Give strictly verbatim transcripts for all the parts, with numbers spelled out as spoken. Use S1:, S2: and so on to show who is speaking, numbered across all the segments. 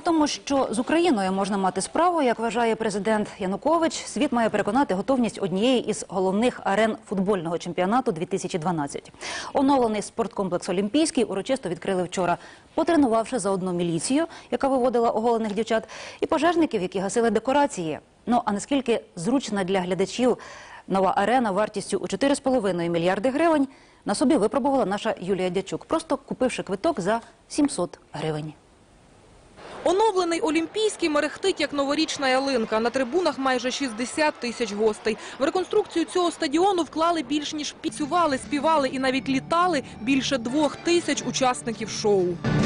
S1: тому, що з Україною можна мати справу, як вважає президент Янукович, світ має переконати готовність однієї із головних арен футбольного чемпіонату дві тисячі дванадцять. Оновлений спорткомплекс «Олімпійський» урочисто відкрили вчора, потренувавши заодно міліцію, яка виводила оголених дівчат, і пожежників, які гасили декорації. Ну, а наскільки зручна для глядачів нова арена вартістю у чотири з половиною мільярди гривень, на собі випробувала наша Юлія Дячук, просто купивши квиток за сімсот гривень.
S2: Оновлений «Олімпійський» мерехтить, як новорічна ялинка. На трибунах майже шістдесят тисяч гостей. В реконструкцію цього стадіону вклали більш ніж піцювали, співали і навіть літали більше двох тисяч учасників шоу.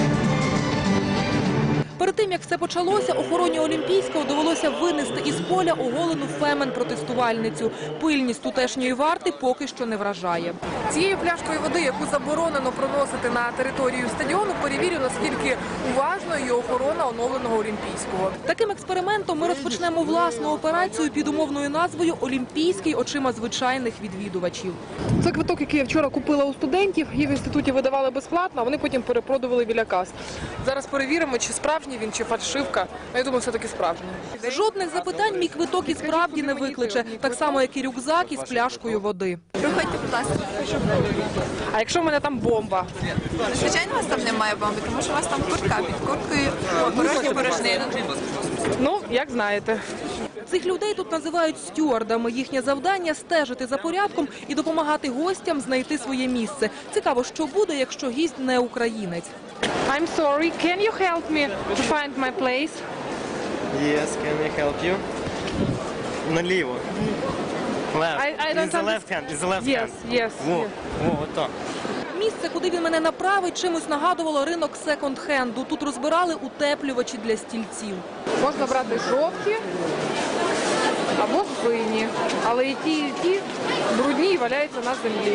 S2: Перед тим, як все почалося, охороні «Олімпійського» довелося винести із поля оголену фемен-протестувальницю. Пильність тутешньої варти поки що не вражає. Цією пляшкою води, яку заборонено проносити на територію стадіону, перевірю, наскільки уважно є охорона оновленого «Олімпійського». Таким експериментом ми розпочнемо власну операцію під умовною назвою «Олімпійський очима звичайних відвідувачів». Це квиток, який я вчора купила у студентів, її в інституті видавали безплатно, а вони потім перепродували біля кас. Зараз перевіримо, чи справжній він, чи фальшивка. Я думаю, все-таки справжній. Жодних запитань мій квиток і справді не викличе. Так само, як і рюкзак із пляшкою води.
S3: Приходьте, будь ласка.
S2: А якщо в мене там бомба?
S3: Звичайно, у вас там немає бомби, тому що у вас там куртка під курткою, порожня порожнина.
S2: Ну, як знаєте. Цих людей тут називають стюардами. Їхнє завдання – стежити за порядком і допомагати гостям знайти своє місце. Цікаво, що буде, якщо гість не українець. I'm sorry, can you help me to find my place?
S4: Yes, can I help you? Наліво. Left.
S2: I, I don't
S4: It's the left hand. It's the left
S2: Yes,
S4: hand.
S2: yes.
S4: Во,
S2: yes.
S4: во, отак.
S2: Місце, куди він мене направить, чимось нагадувало ринок секонд-хенду. Тут розбирали утеплювачі для стільців. Можна брати жовті або сині, але і ті, і ті брудні і валяються на землі.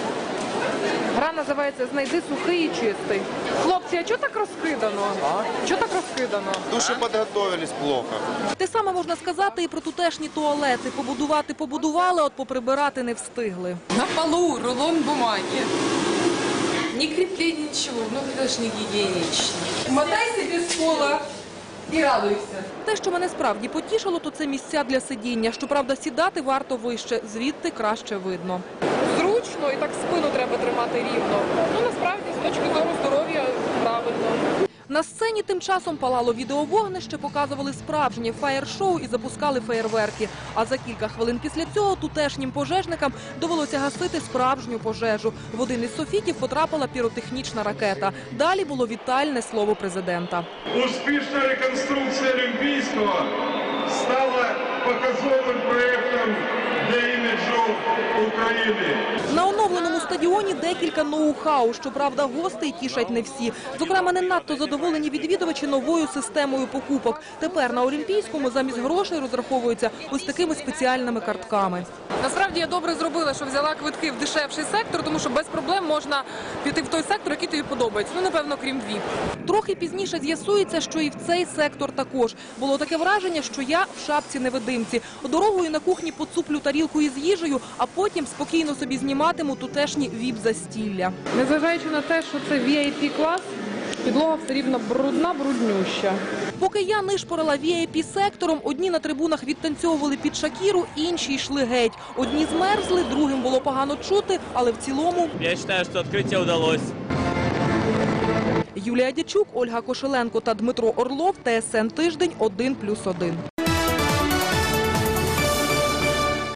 S2: Гра називається «Знайди сухий і чистий». Хлопці, а чого так розкидано? А? Чого так розкидано?
S5: Душі підготовились плохо.
S2: Те саме можна сказати і про тутешні туалети. Побудувати побудували, от поприбирати не встигли.
S6: На полу рулон бумаги. Не крепление ничего, ну это же не гигиенично. Мотайся без пола і радуйся.
S2: Те, що мене справді потішило, то це місця для сидіння. Щоправда, сідати варто вище, звідти краще видно. Зручно і так спину треба тримати рівно. Ну, насправді, з точки зору здоров'я, правильно. На сцені тим часом палало відеовогнище, показували справжнє фаєр-шоу і запускали феєрверки. А за кілька хвилин після цього тутешнім пожежникам довелося гасити справжню пожежу. В один із софітів потрапила піротехнічна ракета. Далі було вітальне слово президента.
S7: Успішна реконструкція Олімпійського стала показовим проєктом для іміджу України.
S2: На оновленому стадіоні декілька ноу-хау. Щоправда, гостей тішать не всі. Зокрема, не надто задоволені відвідувачі новою системою покупок. Тепер на Олімпійському замість грошей розраховуються ось такими спеціальними картками. Насправді я добре зробила, що взяла квитки в дешевший сектор, тому що без проблем можна піти в той сектор, який тобі подобається. Ну, напевно, крім віп. Трохи пізніше з'ясується, що і в цей сектор також. Було таке враження, що я в шапці-невидимці. Дорогою на кухні поцуплю тарілку із їжею, а потім спокійно собі зніматиму тутешні віп-застілля. Незважаючи на те, що це ві ай пі-клас, підлога все рівно брудна, бруднюща. Поки я нишпорила ві ай пі-сектором, одні на трибунах відтанцьовували під Шакіру, інші йшли геть. Одні змерзли, другим було погано чути, але в цілому...
S8: Я вважаю, що відкриття вдалося.
S2: Юлія Дячук, Ольга Кошеленко та Дмитро Орлов, Т С Н Тиждень, один плюс один.